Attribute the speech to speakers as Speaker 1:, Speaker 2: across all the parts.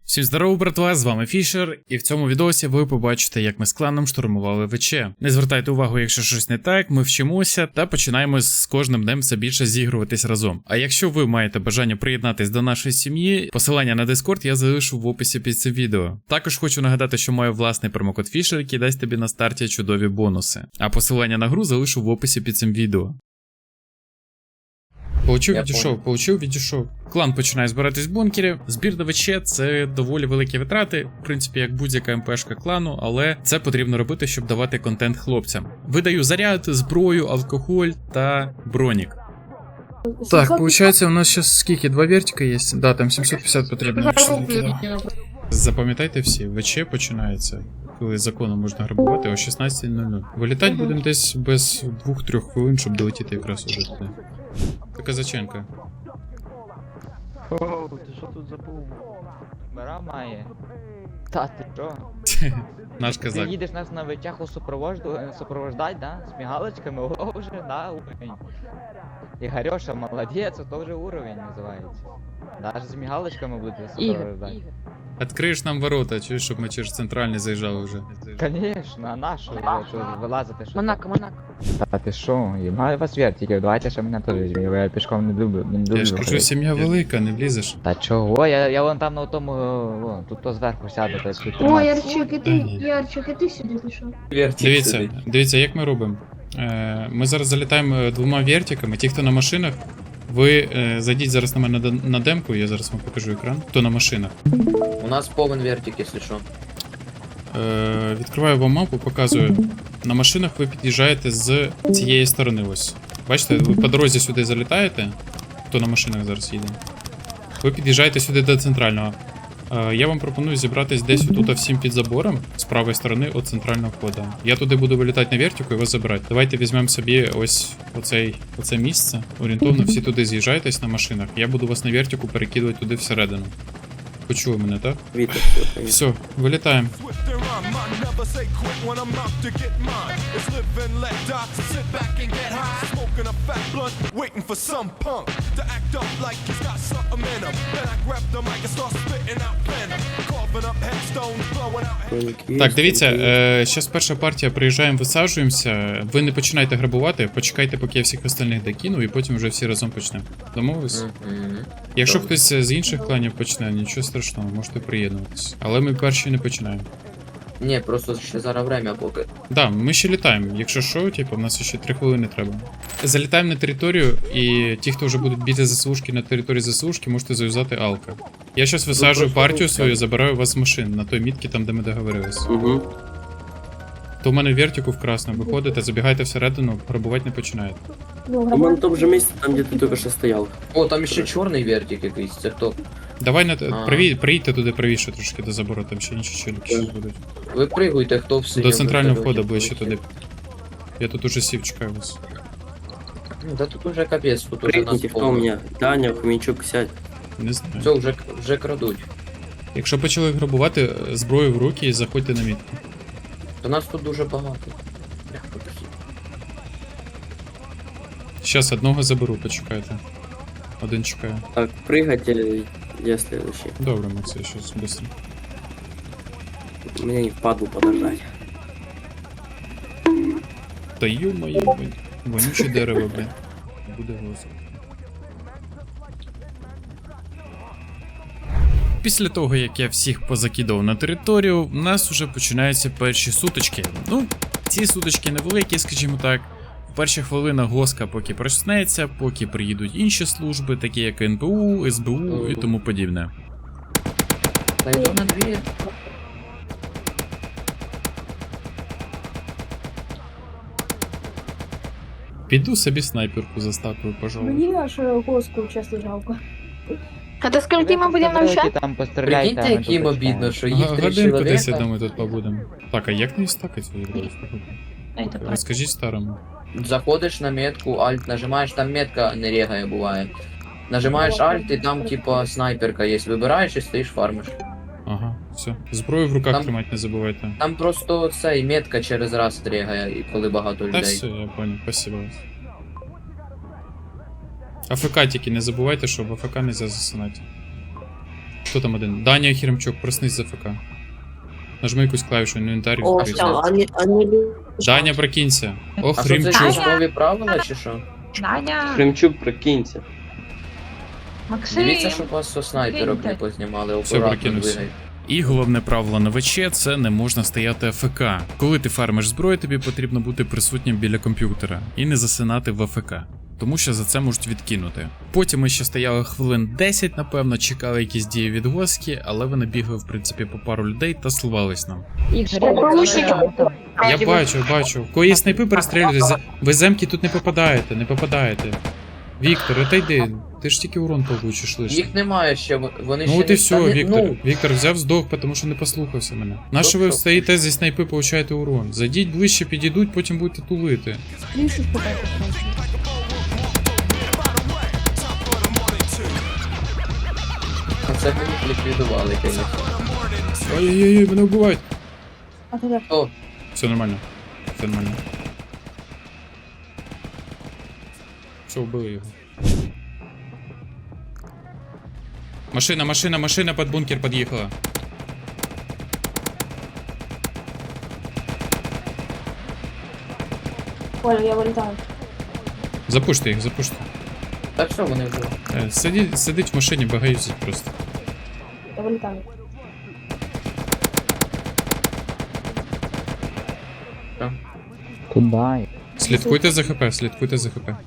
Speaker 1: Всім здорово, братва, з вами Фішер, і в цьому відосі ви побачите, як ми з кланом штурмували ВЧ. Не звертайте увагу, якщо щось не так, ми вчимося та починаємо з кожним днем все більше зігруватись разом. А якщо ви маєте бажання приєднатись до нашої сім'ї, посилання на Discord я залишу в описі під цим відео. Також хочу нагадати, що маю власний промокод Фішер, який дасть тобі на старті чудові бонуси. А посилання на гру залишу в описі під цим відео. Получив, відійшов. Клан починає збиратись в бункері. Збір до ВЧ – це доволі великі витрати, в принципі, як будь-яка МПшка клану, але це потрібно робити, щоб давати контент хлопцям. Видаю заряд, зброю, алкоголь та бронік. Так, виходить, у нас зараз скільки? 2 вертика є? Да, там 750 потрібно. Запам'ятайте всі, ВЧ починається, коли законом можна грабувати, о 16:00. Вилітати будемо десь без 2-3 хвилин, щоб долетіти якраз уже туди. Це Казаченко.
Speaker 2: Оу, ти що тут забув? Мира має. Та ти що?
Speaker 1: Наш
Speaker 2: Ти
Speaker 1: казак.
Speaker 2: їдеш нас на витягу супровождать, да? З мігалочками, о, вже, да, уровень. Ігорьоша, молодець, то вже уровень називається. Даже з мігалочками буде супровождать.
Speaker 1: Откриєш нам ворота, чуєш, щоб ми через центральний заїжджали вже.
Speaker 2: Конечно, а нашу вже, що вилазити, що?
Speaker 3: Монако.
Speaker 2: Та ти що, маю вас вертиків, давайте ще мене теж візьміть, я пішком не люблю.
Speaker 1: Я ж кажу, сім'я велика, не влізеш.
Speaker 2: Та чого, я вон там на тому, вон, тут то зверху сяду, та тут
Speaker 3: О, Ярчик, і ти сюди пішов.
Speaker 1: Дивіться, як ми робимо. Ми зараз залітаємо 2 вертиками, ті, хто на машинах, ви зайдіть зараз на мене на демку, я зараз вам покажу екран, хто на машинах.
Speaker 4: У нас повен вертик, якщо що.
Speaker 1: Відкриваю вам мапу, показую. На машинах ви під'їжджаєте з цієї сторони ось. Бачите, ви по дорозі сюди залітаєте, хто на машинах зараз їде. Ви під'їжджаєте сюди до центрального. Я вам пропоную зібратись десь отут всім під забором, з правої сторони від центрального входу. Я туди буду вилітати на вертику і вас забирати. Давайте візьмемо собі ось оце місце. Орієнтовно всі туди з'їжджайтесь на машинах. Я буду вас на вертику перекидувати туди всередину. Почули мене, так? Все, вилітаємо. Так, дивіться, зараз перша партія, приїжджаємо, висаджуємося. Ви не починайте грабувати, почекайте, поки я всіх остальних докину, і потім вже всі разом почнемо. Домовились? Якщо хтось з інших кланів почне, нічого страшного, можете приєднуватися. Але ми перші не починаємо.
Speaker 4: Ні, просто ще зараз время поки.
Speaker 1: Да, ми ще літаємо. Якщо що, типу, в нас ще 3 хвилини треба. Залітаємо на територію, і ті, хто вже будуть біля ЗСУшки на території ЗСУшки, можете зав'язати алка. Я зараз висаджую партію свою, забираю вас з машин на той мітці, там де ми договорились.
Speaker 5: Угу.
Speaker 1: То в мене вертику в красно, виходите, забігайте всередину, грабувати не починаєте.
Speaker 5: У мене в тому же місці, там де ти тільки що стояв.
Speaker 4: О, там ще чорний вертик якийсь, це хто?
Speaker 1: Давай приїдьте туди правіше трошки до забору, там ще інші челюки щось будуть.
Speaker 4: Ви пригуйте, хто в синьому.
Speaker 1: До центрального
Speaker 4: вертольоті
Speaker 1: входу ближче
Speaker 4: полетів.
Speaker 1: туди. Я тут уже сів, чекаю вас.
Speaker 4: Ну, да тут уже капець, тут уже нас
Speaker 5: Прикиньте, хто у
Speaker 4: повно.
Speaker 5: мене? Даня, Хмінчук, сядь.
Speaker 1: Не знаю.
Speaker 4: Все, вже крадуть.
Speaker 1: Якщо почали грабувати, зброю в руки і заходьте на мітку.
Speaker 4: То нас тут дуже багато.
Speaker 1: Щас одного заберу, почекайте. Один чекає.
Speaker 5: Так, прыгать, я следующий.
Speaker 1: Добре, Максим, щас быстро.
Speaker 5: Мне не впадло подождать.
Speaker 1: Та ё-моё, вонюче дерево, блін. Буде голосно. Після того, як я всіх позакидав на територію, у нас вже починаються перші сутички. Ну, ці сутички невеликі, скажімо так. Перші хвилина госка поки проснеться, поки приїдуть інші служби, такі як НПУ, СБУ і тому подібне.
Speaker 4: Та йду на двір.
Speaker 1: Піду собі снайперку застапую, пожалуй.
Speaker 3: Мені нашу госку чесно жалко. А то скільки ми будемо
Speaker 2: Давайте
Speaker 3: навчати?
Speaker 2: там постріляйте,
Speaker 4: Прикиньте,
Speaker 2: а ми
Speaker 4: як їм
Speaker 2: тут
Speaker 4: обідно,
Speaker 2: почекаємо.
Speaker 4: що їх 3
Speaker 1: Годинку десь, я
Speaker 4: чоловіка.
Speaker 1: думаю, тут побудемо. Так, а як не стакать? Розкажіть старому.
Speaker 4: Заходиш на метку, альт нажимаєш, там метка не регає буває. Нажимаєш альт і там типа снайперка є. Вибираєш і стоїш фармиш.
Speaker 1: Ага, все. Зброю в руках
Speaker 4: Там-
Speaker 1: тримати не забувайте.
Speaker 4: Там просто цей метка через раз регає, і коли багато
Speaker 1: Та
Speaker 4: людей.
Speaker 1: все, я понял, спасибо вас. АФК тільки не забувайте, що в АФК нельзя засинати. Хто там один? Даня Хіремчук, проснись з АФК. Нажми якусь клавішу, інвентар
Speaker 6: О,
Speaker 1: відкрийся.
Speaker 6: все, они...
Speaker 1: Даня, прокинься. О,
Speaker 4: А що це
Speaker 1: Хрімчук.
Speaker 4: військові правила чи що?
Speaker 7: Даня,
Speaker 5: Хремчук, прокинься.
Speaker 7: Максим.
Speaker 4: Дивіться, щоб вас со снайперок не познімали,
Speaker 1: Все,
Speaker 4: акуратно
Speaker 1: прокинувся.
Speaker 4: двигай.
Speaker 1: І головне правило на ВЧ – це не можна стояти АФК. Коли ти фармиш зброю, тобі потрібно бути присутнім біля комп'ютера і не засинати в АФК. Тому що за це можуть відкинути. Потім ми ще стояли хвилин 10, напевно, чекали якісь дії від Госки, але вони бігли, в принципі, по пару людей та сливались нам. Я бачу. Коли є снайпи, перестрілюйтесь. Ви земки тут не попадаєте. Віктор, отойди. Ти ж тільки урон получиш лише.
Speaker 4: Їх немає ще, вони
Speaker 1: Ну
Speaker 4: ще
Speaker 1: от і все,
Speaker 4: Та не-
Speaker 1: Віктор.
Speaker 4: ну,
Speaker 1: Віктор взяв здох, тому що не послухався мене. Нащо ви
Speaker 4: Тобто-
Speaker 1: стоїте зі снайпи, получаєте урон? Зайдіть ближче, підійдуть, потім будете тулити.
Speaker 3: Крышу спитайте, коротше.
Speaker 4: а це ми їх ліквідували, звісно.
Speaker 1: Ой-ой-ой, мене вбивають.
Speaker 3: А ти де?
Speaker 4: О,
Speaker 1: Все нормально. Все нормально. Все, вбили його. Машина под бункер подъехала.
Speaker 3: Понял, я вилітаю.
Speaker 1: Запуште їх, запуште.
Speaker 4: так що вони вже?
Speaker 1: Сидить в машині, багаються просто.
Speaker 3: Я вилітаю.
Speaker 2: Куда?
Speaker 1: Слідкуйте за ХП, слідкуйте за ХП.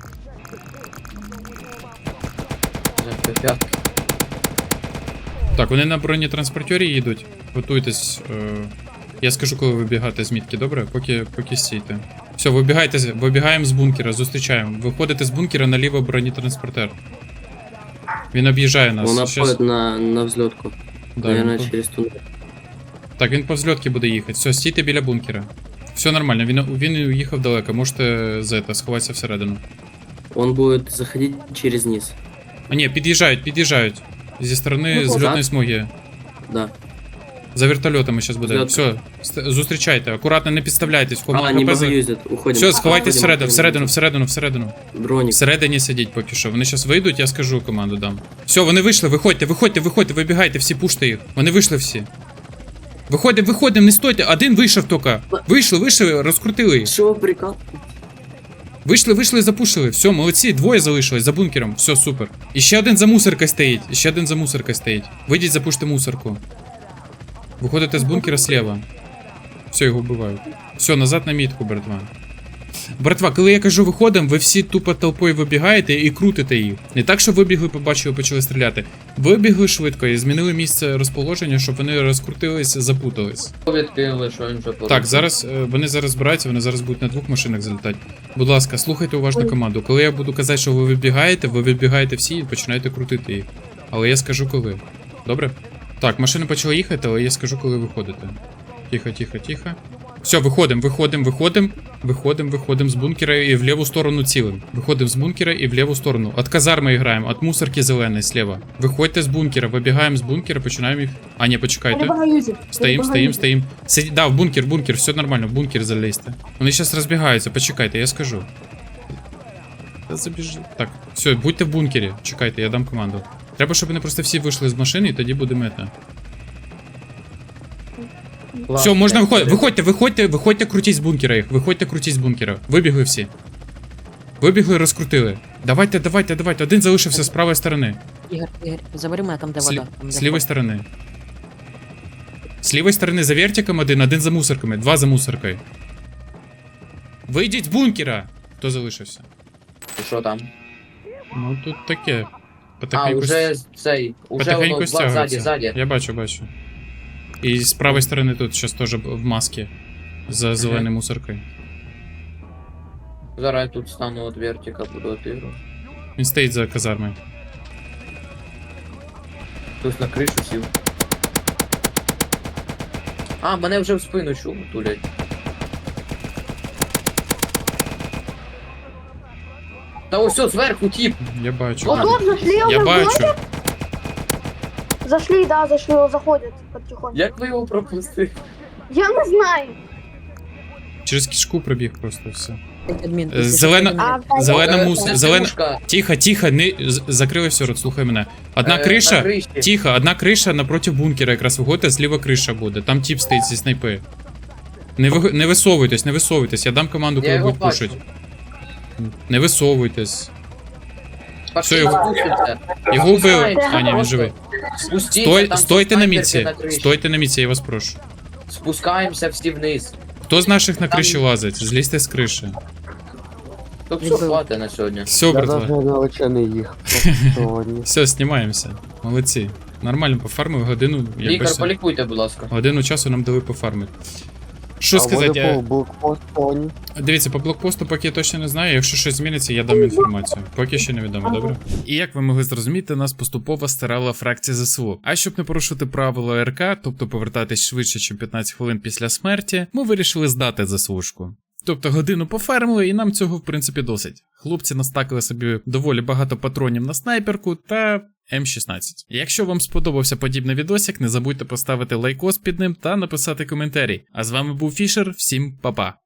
Speaker 4: Вже п'ятки.
Speaker 1: Так, вони на бронетранспортері їдуть. Готуйтесь. Я скажу, коли вибігати з мітки, добре? Поки стійте. Все, вибігаємо з бункера, зустрічаємо. Виходите з бункера наліво бронетранспортер. Він об'їжджає нас.
Speaker 5: Он
Speaker 1: Щас-
Speaker 5: обходит на взлетку.
Speaker 1: Да,
Speaker 5: Наверное,
Speaker 1: він по-
Speaker 5: через туннель.
Speaker 1: Так, він по взльотки буде їхати. Все, стійте біля бункера. Все нормально, він уїхав далеко, можете сховатися всередину.
Speaker 5: Он будет заходить через низ.
Speaker 1: А ні, під'їжджають. Зі сторони
Speaker 3: Ну,
Speaker 1: зльотної
Speaker 5: так.
Speaker 1: смуги.
Speaker 5: Да.
Speaker 1: За вертольотами зараз буде.
Speaker 5: Взльот.
Speaker 1: Все, зустрічайте, акуратно не підставляйтесь. В кому
Speaker 5: А, не
Speaker 1: ХП за-
Speaker 5: боюсь, уходим.
Speaker 1: Все, сховайтесь
Speaker 5: Уходим,
Speaker 1: всередину.
Speaker 5: Броник.
Speaker 1: Всередині сидіть поки що. Вони зараз вийдуть, я скажу команду дам. Все, вони вийшли, виходьте, вибігайте, всі пуште їх. Вони вийшли всі. Виходимо, не стойте. Один вийшов тільки. Вийшли, розкрутили їх.
Speaker 5: Что прикол?
Speaker 1: Вийшли, запушили. Все, молодці, двоє залишились за бункером. Все, супер. І ще один за мусоркою стоїть. Вийдіть, запуште мусорку. Виходите з бункера слева. Все, його вбивають. Все, назад на мітку, братва. Братва, коли я кажу виходимо, ви всі тупо толпою вибігаєте і крутите їх. Не так, що вибігли, побачили, почали стріляти. Вибігли швидко і змінили місце розположення, щоб вони розкрутились, запутались.
Speaker 4: Відкинули, що він вже порушив.
Speaker 1: Так, зараз вони зараз збираються, вони зараз будуть на двох машинах залітати. Будь ласка, слухайте уважно команду. Коли я буду казати, що ви вибігаєте всі і починаєте крутити їх. Але я скажу коли. Добре? Так, машини почали їхати, але я скажу, коли виходите. Тихо. Все, виходимо з бункера і в ліву сторону цілим. Виходимо з бункера і в ліву сторону. От казарми граємо, от мусорки зеленої слева. Виходьте з бункера, вибігаємо з бункера, починаємо їх. А, ні, почекайте.
Speaker 3: Перебагаюся.
Speaker 1: Стоїм. Да, в бункер, все нормально, в бункер залізьте. Вони зараз розбігаються, почекайте, я скажу. Та забіжи. Так, все, будьте в бункері, чекайте, я дам команду. Треба, щоб вони просто всі вийшли з машини, і тоді буде мета. Все, можна виходити. Виходьте, крутіть з бункера їх. Крутіть з бункера. Вибігли всі. Вибігли, розкрутили. Давайте. Один залишився з правої сторони.
Speaker 6: Ігор, забери мене там, де вода. Там, де
Speaker 1: З лівої сторони. З лівої сторони за вертиком один за мусорками, два за мусоркою. Вийдіть з бункера! Хто залишився?
Speaker 4: І що там?
Speaker 1: Ну тут таке.
Speaker 4: А, уже цей, уже
Speaker 1: потихеньку
Speaker 4: воно
Speaker 1: стягується.
Speaker 4: ззаді.
Speaker 1: Я бачу. І з правої сторони тут зараз теж в масці. За зеленою мусоркою.
Speaker 4: Зараз я тут стану от вертика, буду отигру.
Speaker 1: Він стоїть за казармою.
Speaker 4: Хтось на кришу сів. А, мене вже в спину чув, тулять. Та ось все, зверху тіп.
Speaker 1: Я бачу.
Speaker 3: Вот тут зашли,
Speaker 1: Я
Speaker 3: уже
Speaker 1: бачу.
Speaker 3: Зашли, заходят потихоньку.
Speaker 4: Як ви його пропустили?
Speaker 3: Я не знаю.
Speaker 1: Через кишку пробіг просто все.
Speaker 6: Адмін,
Speaker 1: Зелена, зелена мус, зелена.
Speaker 4: Пушка,
Speaker 1: Тихо, тихо, не закрили все рот, слухай мене. Одна
Speaker 4: на
Speaker 1: криша,
Speaker 4: криші.
Speaker 1: тихо, одна криша напроти бункера, якраз виходите, зліва криша буде. Там тип стоїть зі снайпи. Не висовуйтесь, не висовуйтесь, я дам команду,
Speaker 4: Я
Speaker 1: коли
Speaker 4: його
Speaker 1: будуть пушить.
Speaker 4: бачу.
Speaker 1: Не висовуйтесь.
Speaker 4: Пошли,
Speaker 1: Його-
Speaker 4: спустимся.
Speaker 1: Його вбили.
Speaker 4: Спускаємося
Speaker 1: А, ні, він
Speaker 4: просто.
Speaker 1: живий.
Speaker 4: Спустіться, там
Speaker 1: Стойте на
Speaker 4: снайперки
Speaker 1: міці.
Speaker 4: на криші.
Speaker 1: Стойте на міці, я вас прошу.
Speaker 4: Спускаємося всі вниз.
Speaker 1: Хто з наших на
Speaker 4: Там-
Speaker 1: криші лазить? Злізьте з криші.
Speaker 4: Тут все
Speaker 6: Відбив.
Speaker 4: хватить на сьогодні.
Speaker 1: Все, братва.
Speaker 8: далече не їх. Сьогодні.
Speaker 1: Все, знімаємося. Молодці. Нормально пофармили годину. Якби
Speaker 4: Лікар,
Speaker 1: все.
Speaker 4: полікуйте, будь ласка.
Speaker 1: Годину часу нам дали пофармити. Що сказати?
Speaker 8: Блокпост тоні.
Speaker 1: Дивіться, по блокпосту поки я точно не знаю. Якщо щось зміниться, я дам інформацію. Поки ще невідомо, добре? І як ви могли зрозуміти, нас поступово старала фракція ЗСУ. А щоб не порушити правила РК, тобто повертатись швидше, ніж 15 хвилин після смерті, ми вирішили здати ЗСУшку. Тобто годину пофармили, і нам цього в принципі досить. Хлопці настакали собі доволі багато патронів на снайперку та М16. Якщо вам сподобався подібний відосик, не забудьте поставити лайкос під ним та написати коментарі. А з вами був Фішер, всім па-па!